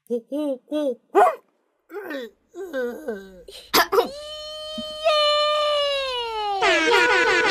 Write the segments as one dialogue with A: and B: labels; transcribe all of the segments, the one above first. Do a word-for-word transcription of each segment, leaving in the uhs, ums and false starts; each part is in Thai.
A: ฮู้ฮู้ฮู้
B: เย้เย้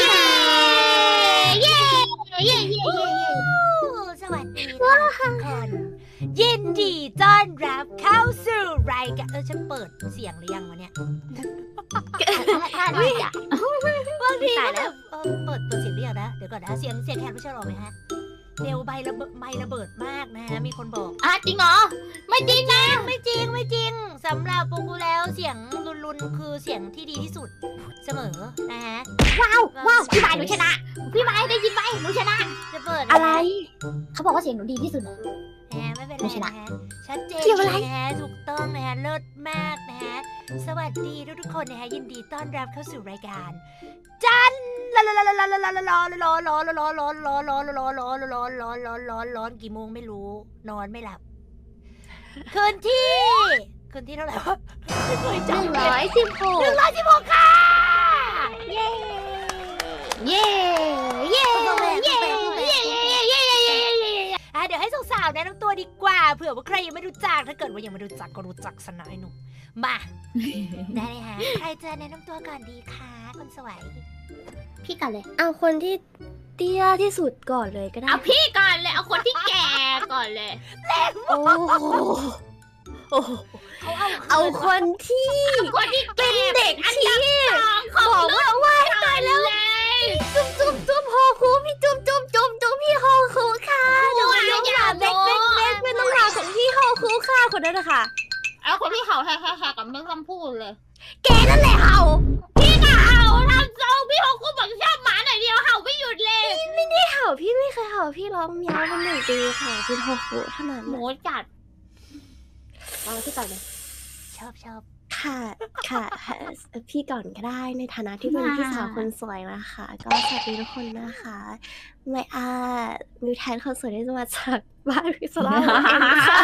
B: เย้เย้เย้เย้สวัสดีค่ะทุกคนยินดีต้อนรับเข้าสู่รายการเออฉันเปิดเสียงหรือยังวะเนี่ยท่านไม่จ้ะบางทีก็แบบเออเปิดเปิดเสียงหรือยังนะเดี๋ยวก่อนนะเสียงเสียงแคนไม่ใช่หรอไหมฮะเร็วใบระเบิดไม่ระเบิดมากนะฮะมีคนบอกอ่ะจริงเหรอไม่จริงนะไม่จริงไม่จริงสำหรับปูกูแล้วเสียงรุนๆคือเสียงที่ดีที่สุดเสมอนะฮะว้าวว้าวพี่ไม้หนูชนะพี่ไม้ได้ยินไหมหนูชนะจะเปิดอะไรเขาบอกว่าเสียงหนูดีที่สุดนะฮะไม่เป็นไรนะฮะชัดเจนนะฮะถูกต้องนะฮะเลิศมากนะฮะสวัสดีทุกๆคนนะฮะยินดีต้อนรับเข้าสู่รายการจันร้อนร้อนร้อนร้อนร้อนร้อนร้อนร้อนร้อนร้อนร้อนร้อนร้อนร้อนร้อนร้อนร้อนร้อนร้อนกี่โมงไม่รู้นอนไม่หลับคืนที่คืนที่เท่าไหร่วะไม่เคยจำ
A: หนึ่งร้อยสิบหก
B: หนึ่งร้อยสิบหกค่ะเย้เย้เย้เย้เย้เย้เย้อ่ะเดี๋ยวให้สาวๆแนะนำตัวดีกว่าเผื่อว่าใครยังไม่รู้จักถ้าเกิดว่ายังไม่รู้จักก็รู้จักสนะไอ้หนุ่มมาได้เลยฮะใครจะแนะนำตัวก่อนดีคะคนสวยพี่ก่อนเลย
A: เอาคนที่เตี้ยที่สุดก่อนเลยก็ได้
C: เอาพี่ก่อนเลย เอาคนที่แก่ก่อนเลย
A: โอ้โอ้
B: เขาเอา
A: เอาคนที่
C: คนที่
A: เป็
C: แก่
A: นเด็กที่
C: ของ
A: บอกว่าว่ายตายแล้ว
C: เลย
A: จุ๊บจุ๊บจุ๊บโฮคูพี่จุ๊บจุ๊บจุ๊บจุ๊บพี่โฮคูค่ะหนูน้องหลาเบ็กเบ็กเบ็กเป็นน้องหลาของพี่โฮคูค่ะคนนั้นนะคะ
C: เอาคนที่เห่าแฮ่ๆๆกับไม่ต้องพูดเลย
A: แกนั่นแหละเห่า
C: พี่ก็เห่าทำทรงพี่หกกูบอกชอบหมาหน่อยเดียวเห่าไม่หยุดเลย
A: ไม่ได้เห่าพี่ไม่เคยเห่าพี่ร้องเมียวเป็นหนึ่งปีค่ะเป็นโฮคูเท่านั้น
C: หมู
A: น่ะ
C: จัดเอาที่ก่อนเลย
B: ชอบชอบ
A: ค่ะค่ะพี่ก่อนก็ได้ในฐานะที่เป็นพี่สาวคนสวยนะคะ ก็สวัสดีทุกคนนะคะไม่อามิวแทนคนสวยที่จะมาจากบ้านพิศลาเองค่ะ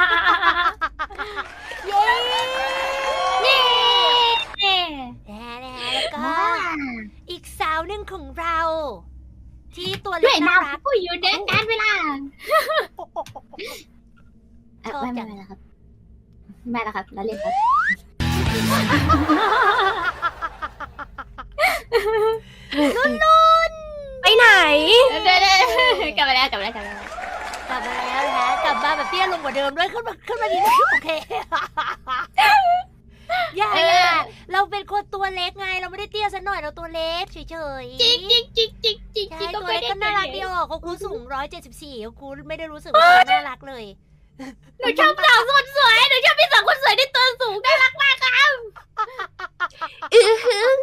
B: เย้
C: เย้
B: นะนะแล้วก็อีกสาวหนึ่งของเรา ที่ตัว
C: ด้
B: เล็
C: วย
B: กน่ารั
C: น้ำ
B: ก
C: ผู้อยู่ในการเวลา
B: ชอบ
C: ไม่
B: จั
C: ไม่
B: ง
C: ไม่นะครับไม่นะครับแล้วเล่นครับ
A: ไปไหน
C: เด้ๆกลับไปแล้วกลับไปแล้วกลับไปแล้ว
B: กลับมาแล้วนะกลับมาแบบเตี้ยลงกว่าเดิมด้วยขึ้นมาขึ้นมาดีนะโอเคอย่าอย่าเราเป็นคนตัวเล็กไงเราไม่ได้เตี้ยซะหน่อยเราตัวเล็กเฉยๆ
C: จริงจริงจริงจริงจริง
B: ใช่
C: จริง
B: ตัวเล็กก็
C: ไม่
B: น่า
C: ได้
B: รักดีออกเขาคูสูงร้อยเจ็ดสิบสี่เขาคูไม่ได้รู้สึกว่าเขาน่ารักเลย
C: หนูชอบสาวคนสวยหนูชอบพี่สาวคนสวยที่ตัวสูงน่ารักมากครับ
A: อือหือ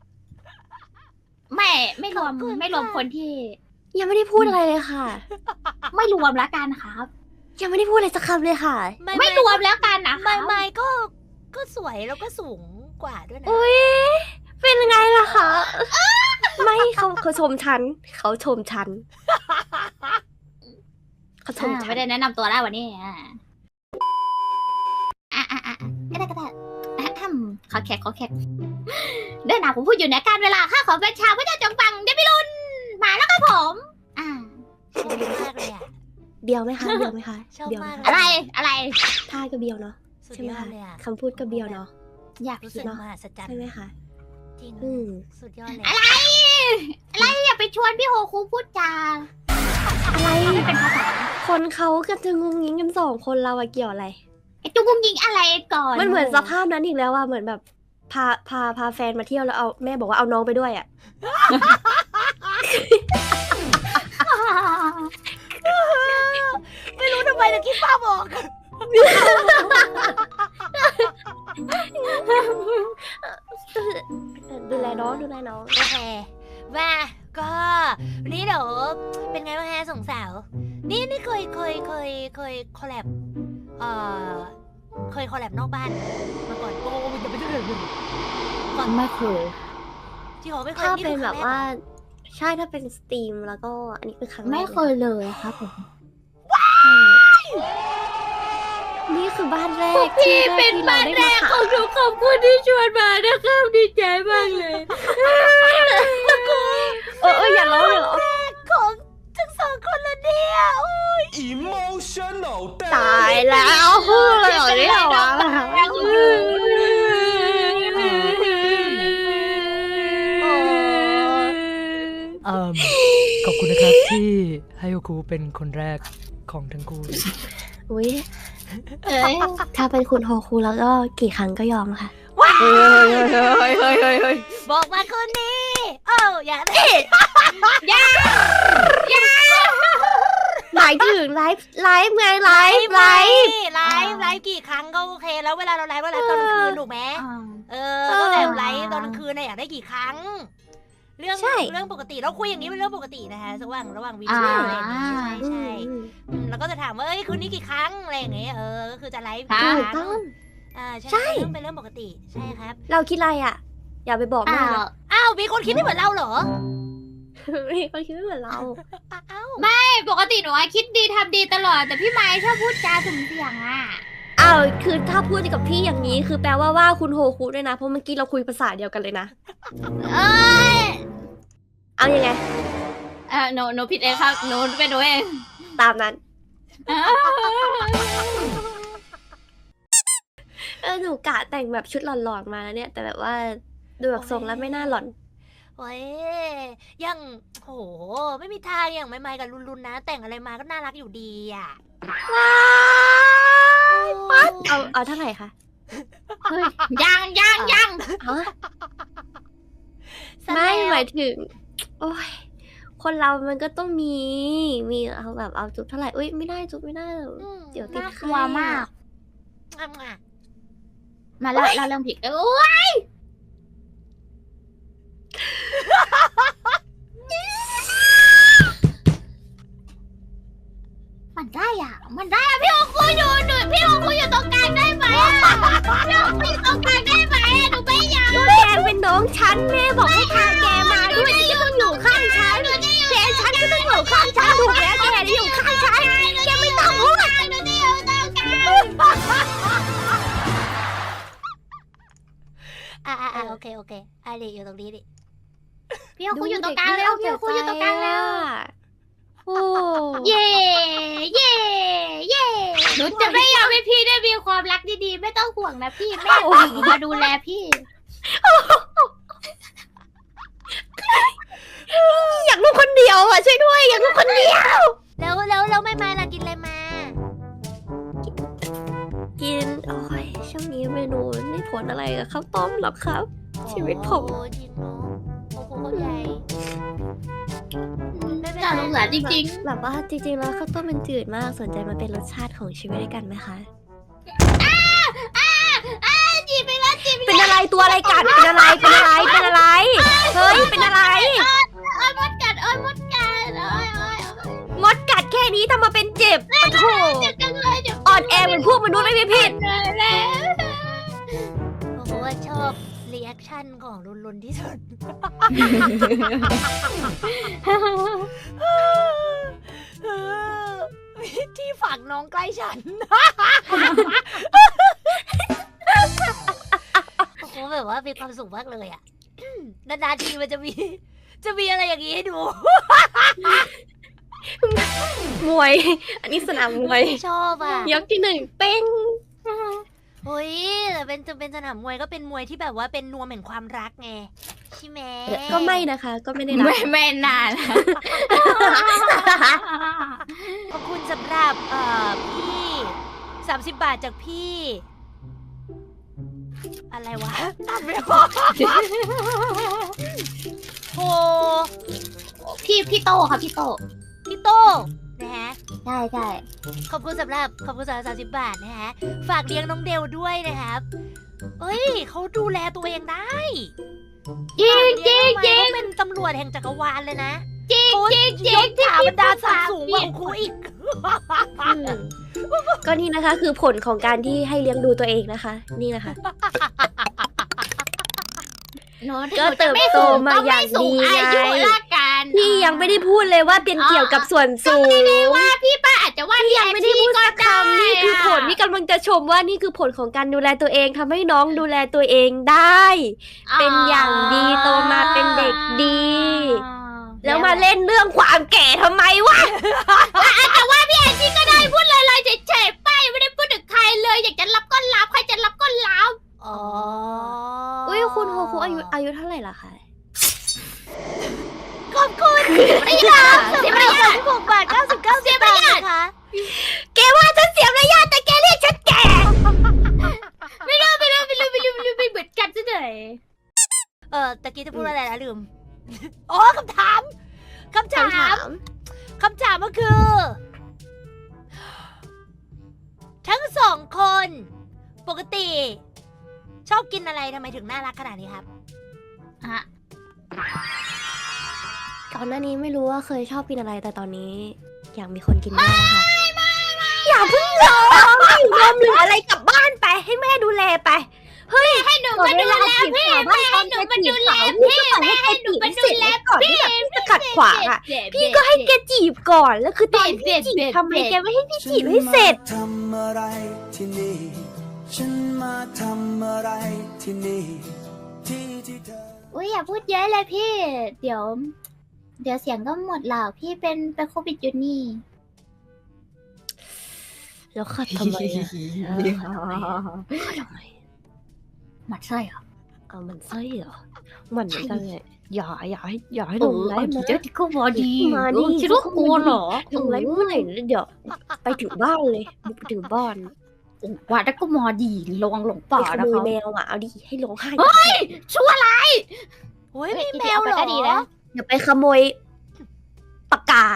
C: ไม่ไม่รวมไม่รวมคนที่
A: ยังไม่ได้พูดอะไรเลยค่ะ
C: ไม่รวมแล้วกันครับ
A: ยังไม่ได้พูดอะไรสักคำเลยค่ะ
C: ไม่รวมแล้วกันนะครั
B: ไม่
C: บ
B: ไม่ก็ก็สวยแล้วก็สูงกว่าด้วยนะ
A: อุ้ยเป็นไงล่ะคะไม่เขาเขาชมฉันเขาชมฉันเขาชม
C: อ่า
A: ฉั
C: ไม่
A: น
C: ได้แนะนำตัวแล้ววันนี้อ่ะอ่ะอ่ะอ่ะก็ได้ก็ได้อ่ะอืมขอแขกขอแขกเดินหนาผมพูดอยู่ในการเวลาข้าขอเป็นชาวพระเจ้าจงฟังเดบิลุนมาแล้วครับผมอ่า
B: ชอบมากเลยอ่ะ
A: เบียวไหมคะเบียวไหมคะ
B: ชอบ
A: เบียวไห
B: มาม ก
A: คะ
C: อะไรอะไร
A: ท่าก็เบียวเนาะ
B: สุด
A: ใช่ไหม
B: ยอด
A: คะ
B: เลยอ่ะ
A: คำพูดก็เบียวเนาะ
C: อยาก
B: รู้
C: คิ
B: สึ
C: ด
B: ก
A: เนอะ
B: มหัศจรรย์
A: ใช่ไหมคะ
B: จริง
A: อืม
B: สุดยอดเลย
C: อะไรอะไรอย่าไปชวนพี่โฮคูพูดจา
A: อะไร
C: เป็นภาษา
A: คนเขาก็จะงุ้งงิ้งกันสองคนเราอะเกี่ยวอะไร
C: ไอ้จุ้งยิงอะไรก่อน
A: มันเหมือนสภาพนั้นอีกแล้วว่าเหมือนแบบพาพาพาแฟนมาเที่ยวแล้วเอาแม่บอกว่าเอาน้องไปด้วยอะ
B: ไม่รู้ทำไมแต่คิดภาพออก
A: ดูแลน้องดูแลน้อง
B: โอเคมาก็วันนี้เดี๋ยวเป็นไงบ้างฮะสองสาว นี่นี่เคยเคยเคยเคยคอลแลบเอ่อเคยคอลแลบนอกบ้านมาก่อนโอ้ยจะไม่ได้เลยก่อน
C: ไม่เคย
B: ที่เขาไม่เคย
A: ถ้า
B: นี่
A: เป็
B: คื
A: น
B: อ
A: แบ
B: รั้
A: บ
B: งรก
A: ว่า
B: เหรอ
A: ใช่ถ้าเป็นสตรีมแล้วก็อันนี้คือครั้งแรก
C: ไม่เคยเลยครับผม
A: ใช่นี่คือบ้านแรกที่ที่เราได้มาค่ะ
C: หนูขอบคุณที่ชวนมานะครับดีใจมากเลย
A: เออเอออย่าร้องอย่าร้อง
B: ของทั้งสองคนละเนี่ยอุ้ย
D: emotional
A: ตายแล้วพูดเลย
D: ที่ให้ครูเป็นคนแรกของทั้งคู่
A: อุ้ย
C: เอ้ย
A: ถ้าเป็นคุณโฮคูแล้วก็กี่ครั้งก็ยอมค่ะ
B: ว้า
D: เฮ้ยเฮ้ยเฮ้ยเฮ้ยเฮ้ย
B: บอกมาคนนี้โอ้อย่าได้
A: หมายถึงไลฟ์ไลฟ์ไงไลฟ์ไลฟ์
B: ไลฟ์ไลฟ์กี่ครั้งก็โอเค แล้วเวลาเราไลฟ์เราไลฟ์ตอนกลางคืนถูกไหม
C: อ่า
B: เออก็แบบไลฟ์ตอนกลางคืนน่ะอยากได้กี่ครั้ง เรื่องเรื่องปกติเราคุยอย่างนี้เป็นเรื่องปกตินะคะระหว่างระหว่างวีดีโออะไรอย่างงี้ใช่ใช่อืมแล้วก็จะถามว่าเอ้ยคืนนี้กี่ครั้งอะไรอย่างเงี้ยเออก็คือจะไลฟ์กี่
A: ถู
B: ค
A: ก
B: รั้ง
A: ต้อง
B: อ่าใช่
A: ใช่
B: เรื่องเป็นเรื่องปกติใช่ครับ
A: เราคิดอะไรอ่ะ อย่าไปบอกแม่
C: อ้าว
A: นะ
B: อ้าวมีคนคิดไม่เหมือนเราเหรอ
A: มีคนคิดไม่เหมือนเรา
B: อ้าว
C: ปกติหนูอะคิดดีทำดีตลอด แต่พี่ไม้ชอบพูดจาสุ่มเสี่ยงอ่ะ
A: อ้าวคือถ้าพูดกับพี่อย่างนี้คือแปลว่าว่าคุณโฮคูด้วยนะ เพราะเมื่อกี้เราคุยภาษาเดียวกันเลยนะ
C: เอ้ย
A: เอายังไง
C: เออหนูหนูผิดเองครับหนูเป็นหนูเอง
A: ตามนั้น เออหนูกะแต่งแบบชุดหลอนๆมาแล้วเนี่ย แต่แบบว่าดูแบบทรงแล้วไม่น่าหลอน
B: โอ้ยยังโหไม่มีทางอย่างไม่ไม่กับลุนลุนนะ แต่งอะไรมาก็น่ารักอยู่ดีอ่ะ
A: ปั๊ดเอาเอาเท่าไหร่คะ
C: เฮ้ยยังยังยัง
A: ฮะ
B: ซะ
A: ไม่
B: แล้ว
A: หมายถึง โอ้ย คนเรามันก็ต้องมี มีเอาแบบเอาจุ๊บเท่าไหร่อุ้ยไม่ได้จุ๊บไม่ได้
B: อืม
A: เดี๋ยวติด
B: น่า
A: ไข้
C: กลัวมาก
B: อ่ะอ่ะ
C: มาแล้วเราเรื่องผิดเอ้ยมันได้อ่ะ มันได้อ่ะพี่โอคุยอยู่หนูพี่โอคุยอยู่ตรงกลางได้ไหมอ่ะพี่โอคุยอยู่ตรงกลางได้ไหมอ่ะหนูไม่อยาก
A: แกเป็นน้องฉันแม่บอกให้พาแกมาด้วยแกก็ต้องอยู่ข้างฉันแกฉันก็ต้องอยู่ข้างฉันถูกแล้วแกได้อยู่ข้างฉันแกไม่ต้องพูด
C: หนูจะอยู่ตรงกลาง
B: อ่ะอ่ะอ่ะโอเคโอเคอ่ะดิอยู่ตรงนี้ดิ
C: พี่โอคุยอยู่ตรงกลางแล้วพี่โอคุยอยู่ตรงกลางแล้ว
A: โอ้
C: เย่เย่เย่หนูจะไม่ยอมให้พี่ได้มีความรักดีๆ ไม่ต้องห่วงนะพี่แม่หนูมาดูแลพี่
A: อยากลูกคนเดียวอ่ะช่วยด้วยอยากลูกคนเดียว
B: แล้วแล้วแล้วไม่มาล่ะกินอะไรมา
A: กินโอ้ยช่วงนี้เมนูไม่ผลอะไรกับข้าวต้มหรอกครับ ชีวิตผม
B: โอ้จริงเนาะโอ้โหเข้าใจไม่เป็น
C: น่าสงสารจริง
A: แบบว่าจริงๆแล้วข้าวต้มมันจืดมากสนใจมาเป็นรสชาติของชีวิตด้วยกันไหมคะ
C: ๆจีบไปแล้วจีบไป
A: เป็นอะไรตัวอะไรกัดเป็นอะไรเป็นอะไรเป็นอะไรเฮ้ยเป็นอะไร
C: เอ้ยมดกัดเอ้ยมดกัดเอ้ยเอ้ย
A: มดกัดแค่นี้ทำมาเป็นเจ็บปะโถ
C: เจ็บจังเลยเจ็บ
A: อ่อนแอเหมือนพวกมนุษย์ไม่มีผิด
C: เลยแล้ว
B: โอ้โหชอบรีแอคชั่นของลุนลุนที่สุด ที่ฝังน้องใกล้ฉัน โอ้โหแบบว่ามีความสุขมากเลยอ่ะ นานๆทีมันจะมี จะมีอะไรอย่างนี้ให้ดู
A: มวย อันนี้สนามมวย
B: ชอบอ่ะ
A: ยกที่หนึ่งเป้ง
B: เฮ้ยแต่เป็นจะเป็นสนามมวยก็เป็นมวยที่แบบว่าเป็นนวมแห่งความรักไงใช่ไหม
A: ก็ไม่นะคะ ก็ไม่ได้รั
C: ไม่
A: ก
C: ไม่นาน
B: ขอบคุณสำหรับเอ่อพี่สามสิบบาทจากพี่ อะไรวะอ่านไม่ออกโห
C: พี่พี่โตค่ะพี่โต
B: พี่โต้นะฮะ
C: ใช่ใช่
B: ขอบคุณสำหรับขอบคุณสำหรับสามสิบบาทนะฮะฝากเลี้ยงน้องเดลด้วยนะครับเอ้ยเขาดูแลตัวเองได้
C: จริงจริงจริง
B: เขาเป็นตำรวจแห่งจักรวาลเลยนะ
C: จริง
B: เขา
C: จริงจริ
B: ย
C: ง
B: ศถาบรรดาศักดิ์สูงกว่าครูอีก
A: อืมก็นี่นะคะ คือผลของการที่ให้เลี้ยงดูตัวเองนะคะ นี่นะคะ
C: หนู
A: ก็เติบโตมาอย่างดี
C: อา
A: ไง
C: ยุละกัน
A: พี่ยังไม่ได้พูดเลยว่าเป็นเกี่ยวกับส่วนสูง
C: ว่าพี่ป้าอาจจะว่า
A: พี่ยังไม่ได้พูดสักคำนี่คือผล
C: นี่
A: นี่กำลังจะชมว่านี่คือผลของการดูแลตัวเองทำให้น้องดูแลตัวเองได้ เป็นอย่างดีโตมาเป็นเด็กดี แล้วมาเล่นเรื่องความแก่ทำไมวะ
C: แต่ว่าพี่แอนจี้ก็ได้พูดลอยๆเฉยๆไปไม่ได้พูดถึงใครเลย อยากจะรับก็รับใครจะรับก็รับ
B: อ๋อ
A: อุ้ยคุณโฮคุอายุอายุเท่าไหร่ล่ะคะ
B: ขอบคุณ
C: ไม่ยอมเสียมารยาท
B: หกบาทเก้าสิบเก้าสตางค์นะคะ
C: แกว่าฉันเสียมารยาทแต่แกเรียกฉันแก่ไม่รู้ไม่รู้ไม่รู้ไม่รู้ไม่รู้ไม่เหมือนกันซะหน่อย
B: เออตะกี้จะพูดอะไรนะลืมอ๋อคำถามคำถา
A: คำถาม ม
B: คำถามก็คือ ทั้งสองคน ปกติ ชอบกินอะไรทำไมถึงน่ารักขนาดนี้ครับ
C: อะ
A: ก่อนหน้านี้ไม่รู้ว่าเคยชอบกินอะไรแต่ตอนนี้ อยากมีคนกินด้วยค่ะอย่าเพิ่งร้องรวมหรืออะไรกลับบ้านไปให้แม่ดูแลไป
C: ให้หนูมาดูแลพี่แม่ให้หนูมาดูแลพี่แม่ให้หนูมาดูแล
A: ก่อนที่แบบจะขัดขวางอ่ะพี่ก็ให้แกจีบก่อนแล้วคือตอนพี่จีบทำไมแกไม่ให้พี่จีบให้เสร็จ
E: ทำอะไรที่นี่ ฉันมาทำอะไรที่นี่ ที่ที่เธอ
C: อุ้ยอย่าพูดเยอะเลยพี่ เดี๋ยว เดี๋ยวเสียงก็หมดหรอกพี่เป็นเป็นโควิดอยู่นี่
A: แล้วขัดทำไมอ่ะขัดทำไม
C: หมัดไส้เหรอ
A: เอามันไส้เหรอมันเหมือนกันเลยอย่าอย่าให้อย่าให้ลงไลฟ์มา
C: เดี๋ยวที่เขาบอกดี
A: มาดิ
C: คิดว่ากลัวเหรอ
A: ลงไลฟ์เมื่อไหร่เดี๋ยวไปถึงบ้านเลยบุกไปถึงบ้าน
C: ว่าแต่ก็มอดีระวังหลงป่า
A: ไปข
C: นะ
A: โมย
C: เขา
A: แมวอ่ะเอาดิให้ร้องไห้
C: ชั่วร้าย
B: โอ้ยมีแมวเหรอ
A: อย่าไปขโมยปากกา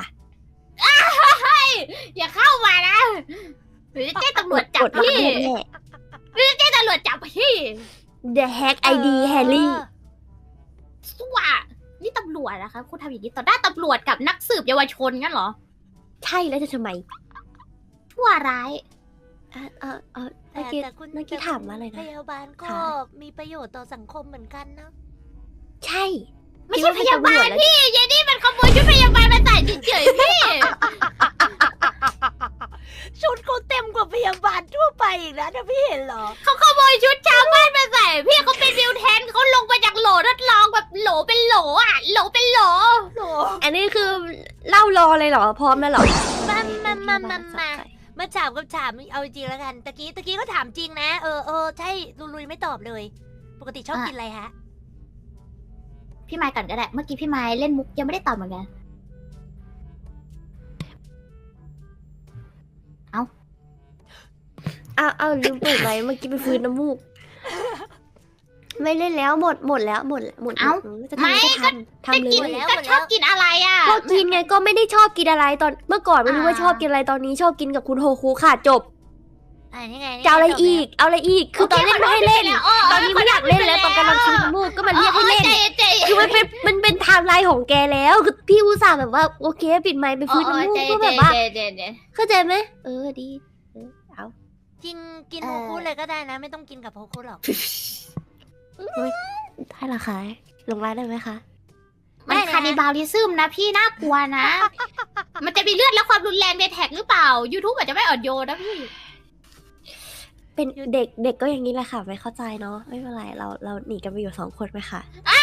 C: อย่าเข้ามานะหรือจะแจ้งตำรวจจับ
A: กดรับ
C: พี่
A: แน่
C: แจ้งตำรวจจับพี่
A: ๆ The Hack ไอ ดี แฮร์รี่
C: สั่วนี่ตำรวจนะคะคุณทำอย่างนี้ต่อหน้าตำรวจกับนักสืบเยาวชนงั้นเหรอ
A: ใช่แล้วจะทำไม
C: ชั่วร้าย
A: เออเออเออ
B: แต่
A: เมื่อกี้
B: แต่คุณ
A: เมื่อกี้
B: แต่
A: ถามว่าอะไร
B: พ
A: นะ
B: ยาบาลก็
A: ค่ะ
B: มีประโยชน์ต่อสังคมเหมือนกันนะ
A: ใช่
C: ไม่ใช่พยาบาล
A: คิดว่เป็นตำรวจแล้ว
C: พี่ยายนี่มันขโมยชุดพยาบาลมาใส่เฉยๆพี่
B: ชุดเขาเต็มกว่าพยาบาลทั่วไปอีกนะถ้าพี่เห็นเหรอ
C: เขาขโมยชุดชาวบ้านมาใส่พี่เขาเป็นวิวแทนเขาลงมาจากโหลทดลองแบบโหลเป็นโหลอ่ะโหลเป็นโหล
B: โห
A: อันนี้คือเล่ารอเลยเหรอ พร้อมแล้วเหรอ
B: มามามามามามาถามกับถามเอาจริงๆแล้วกันตะกี้ตะกี้ก็ถามจริงนะ เออเออใช่ลุลุยไม่ตอบเลย ปกติชอบกินอะไรฮะ
C: พี่ไม้ก่อนก็ได้ เมื่อกี้พี่ไม้เล่นมุกยังไม่ได้ตอบเหมือนกัน
A: อ้าวอ้าวลืมเปิดไว้เมื่อกี้ไปฟื้นน้ำมูก ไม่เล่นแล้วหมดหมดแล้วหมดหมด
C: เอ้า
A: จะทำก็ทำทำเล
C: กิน
A: ย
B: แล้ว
C: ก็ชอบกินอะไรอ่ะ
A: ก็กินไงก็ไม่ได้ชอบกินอะไรตอนเมื่อก่อนไม่รู้ว่า
C: อ่า
A: ชอบกินอะไรตอนนี้ชอบกินกับคุณโฮคุค่ะจบ
B: อ่านี่ไงนี่
A: จะเอาอะไร
B: จบแล้ว
A: อีก เอาอะไรอีก คือตอนเล่นไม่ให้เล่น
C: โคขโทษ
A: ตอนนี้ไม่อยากเล่นแล้วตอนกำลังฟื้นน้ำมูกก็มาเรียกให้เล่น
C: ใจเย็นใจเย็น
A: คือมันเป็นมันเป็นไทม์ไลน์ของแกแล้ว คือพี่อุตส่าห์แบบว่าโอเคปิดไมค์ไปฟื้นน้ำมูก
C: ใจ
A: ก็
C: เย็น
A: แบบว่า
C: ใจเย็นใจเย็น
A: เข้าใจไหมเออดีเออเอา
B: จริงกิน
C: เอ่
B: โฮ
C: อ
B: คุเลยก็ได้นะ ไม่ต้องกินกับโฮคุหรอก
A: ได้ละคะลงไลน์ได้ไหมคะ
C: มัน
B: ได้นะ
C: คานิบาลิซึมนะพี่น่ากลัวนะ มันจะมีเลือดและความรุนแรงในแท็กหรือเปล่า YouTube อาจจะไม่อ่อนโยนนะพี่
A: เป็นเด็กเด็กก็อย่างนี้แหละค่ะ ไม่เข้าใจเนาะไม่เป็นไรเราเราหนีกันไปอยู่สองคนไหมคะ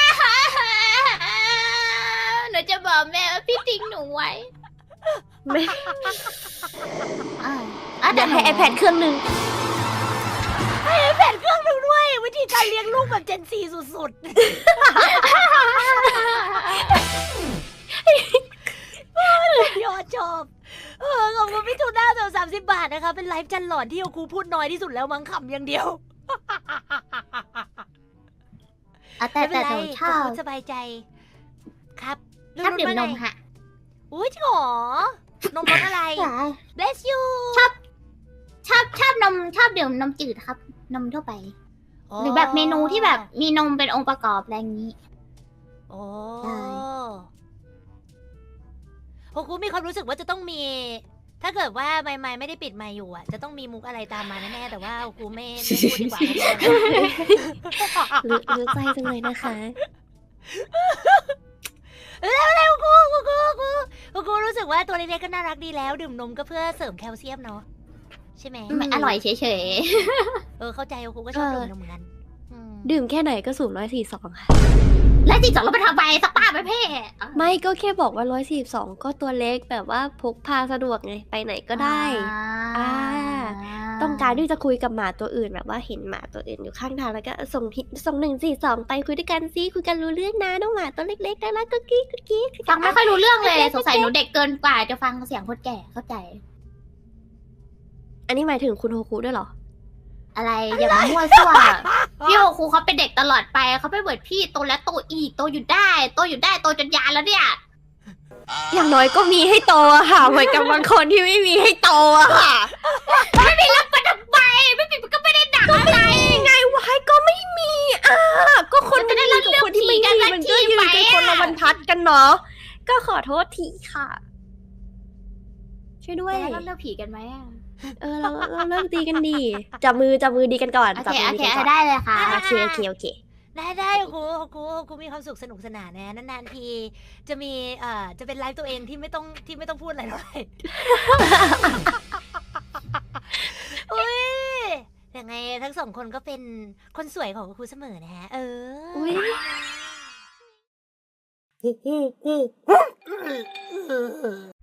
C: หนูจะบอกแม่ว่าพี่ทิ้งหนูไว้
A: ไม่
C: อ่าอ่ะ
A: เดี๋ยวให้
C: หนู
A: iPad เครื่องหนึง
B: แผ่นเครื่องหนึงด้วย วิธีการเลี้ยงลูกแบบเจนซีสุดๆ ยอดชอบ เออขอบคุณพี่ทูน่าสำสามสิบบาทนะคะ เป็นไลฟ์จันหลอนที่โอคูพูดน้อยที่สุดแล้วมั้งขำอย่างเดียว
C: อ่ะแต่
B: ไม่เป็
C: แต่
B: นไร
C: หนูชอบ
B: โอคูสบายใจ ครับ
C: ชอบดื่มนม
B: ว่าไง
C: ฮะ
B: อุ้ยจริงเหรอนมรสอะไร bless you
C: ชอบชอบชอบนมชอบดื่มนมจืดครับ นมทั่วไป หรือแบบเมนูที่แบบมีนมเป็นองค์ประกอบอะไรอย่างนี้
B: โอ้
C: ใช่
B: โฮคุมีความรู้สึกว่าจะต้องมี ถ้าเกิดว่าไมค์ไมค์ไม่ได้ปิดไมค์อยู่อ่ะ จะต้องมีมุกอะไรตามมาแน่ๆ แต่ว่าโฮคุไม่ไม่พูดดีกว่า
A: รู้รู้ใจจังเลยนะคะ
B: เร็วเร็วกูกูกูกูกูกูรู้สึกว่าตัวเล็กๆก็น่ารักดีแล้ว ดื่มนมก็เพื่อเสริมแคลเซียมเนาะใช่ไหม
C: ไม่อร่อยเฉย
B: เออเข้าใจกูก็ชอบ
A: เออ
B: ดื่มนมเหมือนกันอืม
A: ดื่มแค่ไหนก็สูงร้อยสี่สองค่ะ
C: ๆ แล้วจีจอดรถไปทางไปสป้าไปเพ่
A: ไม่ก็แค่บอกว่าร้อยสี่สองก็ตัวเล็กแบบว่าพกพาสะดวกไง ไปไหนก็ได้ อ่าต้องการที่จะคุยกับหมาตัวอื่นแบบว่าเห็นหมาตัวอื่นอยู่ข้างทางแล้วก็ส่งทิส่งหนึ่งสี่สองไปคุยด้วยกันซิคุยกันรู้เรื่องนะน้องหมาตัวเล็กๆน่ารักกุ๊กกิ๊กกุ๊กกิ๊ก
C: ฟังไม่ค่อยรู้เรื่องเลยสงสัยหนูเด็กเกินกว่าจะฟังเสียงคนแก่เข้าใจ
A: อันนี้หมายถึงคุณโฮคุด้วยเหรอ
C: อะไรอย่ามามั่วซั่วพี่โอครูเขาเป็นเด็กตลอดไปเขาไม่เหมือนพี่โตแล้วโตอีกโตอยู่ได้โตอยู่ได้โตจนยานแล้วเนี่ย
A: อย่างน้อยก็มีให้โตอะค่ะเหมือนกับบางคนที่ไม่มีให้โตอะค่ะ
C: ไม่มีรับประทำไมไม่มีก็ไม่ได้หนักอะไร
A: ไงวายก็ไม่มีอ่ะก็คนไม่ได้รับกับคนที่ไม่มีมันก็ยืนกันคนละบรรทัดกันเนาะก็ขอโทษทีค่ะ ช่วยด้วย
C: แล้วเราเลิกผีกันไหมอะ
A: เออเราเราเลิกดีกันดีจับมือจับมือดีกันก่อน
C: โอ
A: จับ
C: เค
A: มื
C: โอ
A: อดี
C: เค
A: กันก่อน
C: ได้เลยค่ะ
A: โอเคโอเคโอเค
B: ได้ได้ครูครูครูมีความสุขสนุกสนานนะนานๆทีจะมีเอ่อจะเป็นไลฟ์ตัวเองที่ไม่ต้องที่ไม่ต้องพูดอะไรเลย อุ้ยยังไงทั้งสองคนก็เป็นคนสวยของครูเสมอนะฮะเออ
A: อุ้ย